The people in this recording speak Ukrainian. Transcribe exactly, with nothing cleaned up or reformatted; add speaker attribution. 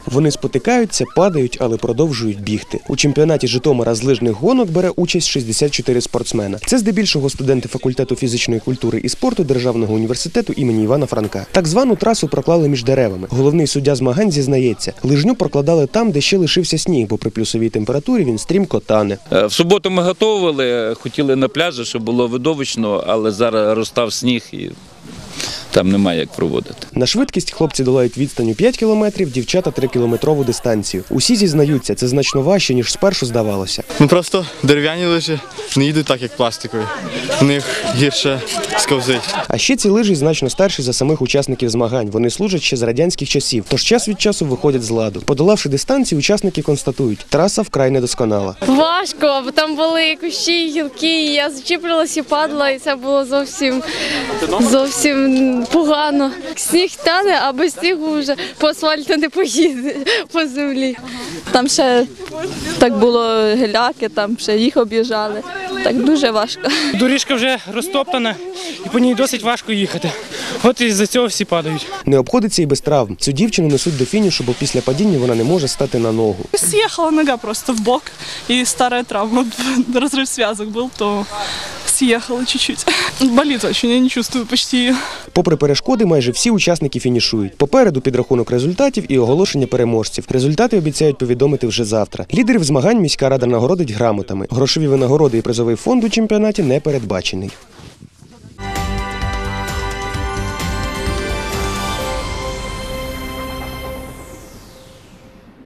Speaker 1: Вони спотикаються, падають, але продовжують бігти. У чемпіонаті Житомира з лижних гонок бере участь шістдесят чотири спортсмена. Це здебільшого студенти факультету фізичної культури і спорту Державного університету імені Івана Франка. Так звану трасу проклали між деревами. Головний суддя змагань зізнається, лижню прокладали там, де ще лишився сніг, бо при плюсовій температурі він стрімко тане.
Speaker 2: В суботу ми готували, хотіли на пляжі, щоб було видовищно, але зараз розтав сніг і там немає як проводити.
Speaker 1: На швидкість хлопці долають відстань у п'ять кілометрів, дівчата – трикілометрову дистанцію. Усі зізнаються, це значно важче, ніж спершу здавалося.
Speaker 3: Ну просто дерев'яні лижі не їдуть так, як пластикові. В них гірше сковзить.
Speaker 1: А ще ці лижі значно старші за самих учасників змагань. Вони служать ще з радянських часів, тож час від часу виходять з ладу. Подолавши дистанцію, учасники констатують – траса вкрай недосконала.
Speaker 4: Важко, бо там були кущі, гілки, і я зачіплювалася і падала, і це було зовсім, зовсім погано. Сніг тане, а без снігу вже по асфальту не поїде, по землі.
Speaker 5: Там ще так було геляки, там ще їх об'їжджали. Так дуже важко.
Speaker 6: Доріжка вже розтоптана і по ній досить важко їхати. От із-за цього всі падають.
Speaker 1: Не обходиться і без травм. Цю дівчину несуть до фінішу, бо після падіння вона не може стати на ногу.
Speaker 7: Съехала нога просто в бок, і стара травма, розрив зв'язок був, то съехала чуть-чуть. Болить очень, я не чувствую почти її.
Speaker 1: Попри перешкоди, майже всі учасники фінішують. Попереду підрахунок результатів і оголошення переможців. Результати обіцяють повідомити вже завтра. Лідерів змагань міська рада нагородить грамотами. Грошові винагороди і призовий фонд у чемпіонаті не передбачений.